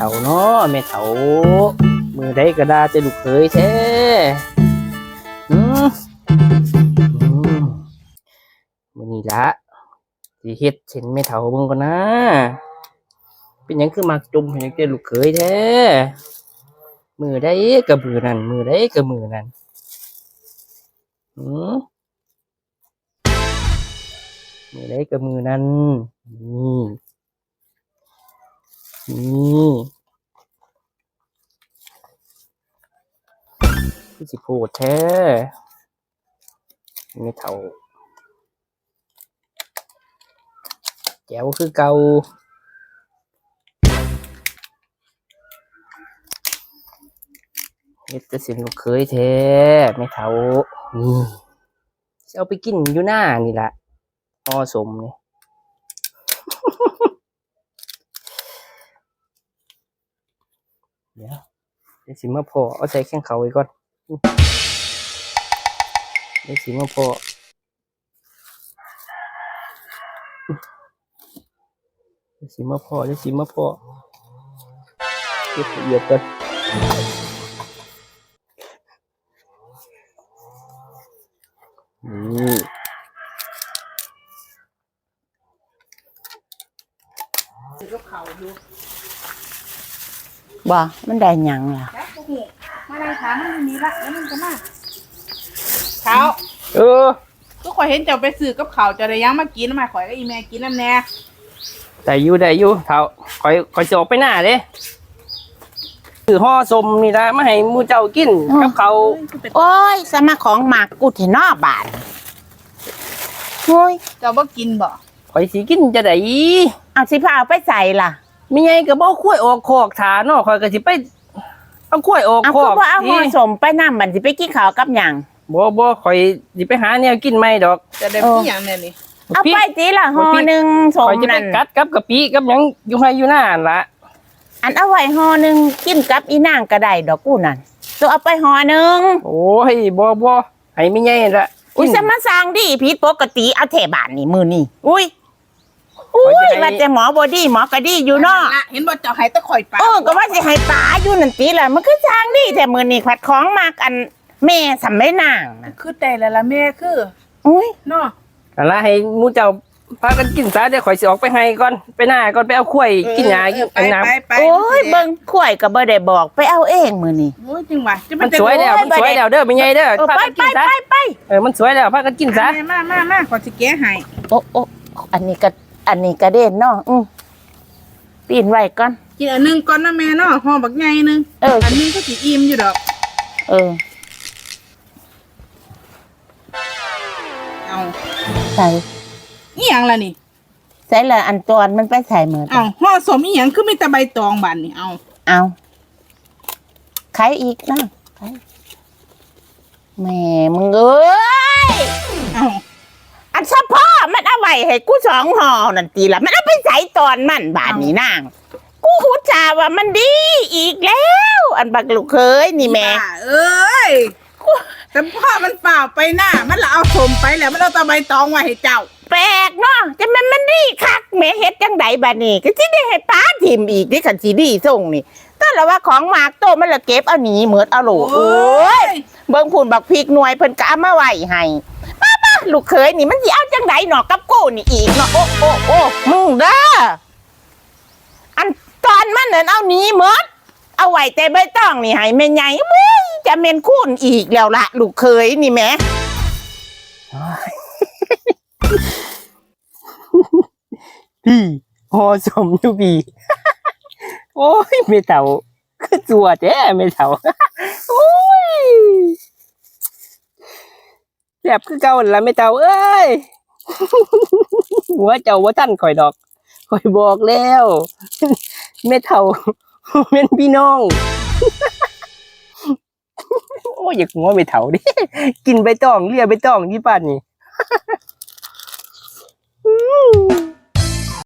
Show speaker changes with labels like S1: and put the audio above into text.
S1: ฒ่าเนาะแม่เฒ่ามือใดก็ได้จะลูกเคยแท้อืมมื้อนี้ละสิเฮ็ดเช่นแม่เฒ่าเบิ่งก่อนนะเป็นหยังคือมักจุ่มให้จังแต่ลูกเคยแท้มือใดก็มือนั้นมือใดก็มือนั้นอืมมือใดก็มือนั้นนี่นี่คือสิโพดแท้แม่เฒ่าแจ๋วคือเก่าเฮ็ดจะสิลูกเคยแท้แม่เฒ่านี่สิเอาไปกินอยู่หน้านี่ล่ะห่อสมนี่ เดี๋ยวสิมาพอเอาใส่แข้งเขาไว้ก่อนเดี๋ยวสิมาพอเดี๋ยวสิมาพอเก็บละเอียดก่อนนี่
S2: บ่มันได้หยังล่ะ
S3: มาได้ถามมันมีละแล้วมันจะมาเขา ก็ข่อยเห็นเจ้าไปซื้อกับเขาวเจ้าได้ยังมากินมาข่อยก็อีแม่กินน้ำแน่
S1: ได้อยู่เท่าคอยจะออกไปหน้าเด้คือห่อสมนี่ละมาให้หมูเจ้ากินกับเขา
S2: โอ้ยสมาของหมากกูเถนอบาดโอ้ย
S3: เจ้าบ่กินบ่
S1: คอยสิกินจะได้
S2: เอาสิพาเอาไปใส่ล่ะ
S1: มีไงก็บ่คุ้ยออกคอกถาเนาะคอยก็สิไปเอาคุ้ยออก
S2: เอา
S1: ค
S2: คือ
S1: อก
S2: ว่าเอาห่อสมไปนำบัดสิไปกินข้าวกับหยัง
S1: บ่คอยสิไปหาแนวกินใหม่ดอก
S3: จะได้มีหยังแน่นี่
S2: เอาไปสิล่ะห่อหนึงสม
S1: คอยจะไป
S2: นั่น
S1: กัดกับกะปิกับหยังอยู่ให้อยู่หน้าล่ะ
S2: อันเอาไว้ห่อหนึงกินกับอีนางก็ได้ดอกกูนั่นตัวเอาไปห่อหนึง
S1: โอ้ยบ่ให้มีไงละ
S2: อุ้ยสมาสร้างดีผิดปกติเอาแถบานนี่มื้อนี้อุ้ยว่าแต่หมอบ่ดีหมอก็ดีอยู่เนาะ
S3: ละเห็นบ่เจ้าให้ตะข่อยปลา
S2: ก็ว่าสิให้ป๋าอยู่นั่นติล่ะมันคือสร้างดีแต่มื้อนี้ขัดของมากอันแม่สำไม่นางน่ะ
S3: คือได้แล้วล่ะแม่คือ
S2: อุ้ย
S3: เนาะ
S1: นั่นล่ะให้หมูเจ้าพากันกินซะเดี๋ยวข่อยสิออกไปให้ก่อนไปหน้าก่อนไปเอาข้วยกินหญ้ากิน
S3: ไป
S1: น้ำ
S3: ไป
S2: โอ้ยเบิ่งข่อยก็บ่ได้บอกไปเอาเองมื้อนี้
S3: โอ้ยจริงว่ะจะ
S1: มันสวยแล้วเด้อเป็นไงเด้อพา
S2: ไป
S1: กันกินซะ
S2: ไป
S1: มันสวยแล้วพากันกินซะ
S3: มาขอสิแกะให้
S2: โอ้อันนี้ก็เด่นเนาะปีนไว้ก่อน
S3: กินอันนึงก่อนนะแม่เนาะห่อบักใหญ่นึงอันนึงก็สิอิ่มอยู่ดอก
S2: เออ
S3: เอา
S2: ใส่
S3: อีหยังล่ะนี่
S2: ใส่ละอันตอนมันไปใส่เหมือน
S3: เอาห่อสมอีหยังคือมีแต่ใบตองบานนี่เอา
S2: ไข่อีกนะไข่แม่มึงเอ้ย
S3: เอา
S2: อันเฉพาะมันเอาไว้ให้กู2ห่อนั่นตีละมันเอาไปใส่ตอนมันบาดนี้นางกูหูจาว่ามันดีอีกแล้ว อันบักลูกเคยนี่แม่
S3: บ้าเอ้ยแต่พ่อมันเปล่าไปหน้ามันละเอาสมไปแล้วมันเอาแตะใบตองไว้ให้เจ้า
S2: แปลกเนาะจะมันดีคักแม่เฮ็ดจังไดบัดนี้ก็สิได้ให้ป้าทิมอีกที่คันสิดีส่งนี่ก็ละว่าของหมากโตมันละเก็บเอาหนีเหมือดเอาโหลโอ้ยเบิ่งพูนบักพริกหน่วยเพิ่นก็เอามาไว้ให้ป้าลูกเขยนี่มันสิเอาจังไดเนาะกับกูนี่อีกเนาะโอ้มึงเด้ออันตอนมันนั่นเอาหนีเหมือดเอาไว้แต่ใบตองนี่ให้แม่ใหญ่มึงจะแม่นคูณอีกแล้วล่ะลูกเขยนี่แหม
S1: พี่ห่อสมอยู่พี่ โอ้ยเมเต่าคือจัวแท้เมเต่า โอ้ยแซ่บคือเก่าละเมเต่าเอ้ย หัวเจ้าว่าท่านข่อยดอกข่อยบอกแล้วเมเต่าเป็นพี่น้อง โอ้ยอยากหัวเมเต่าดิ กินใบตองเลียใบตองที่ป่านนี่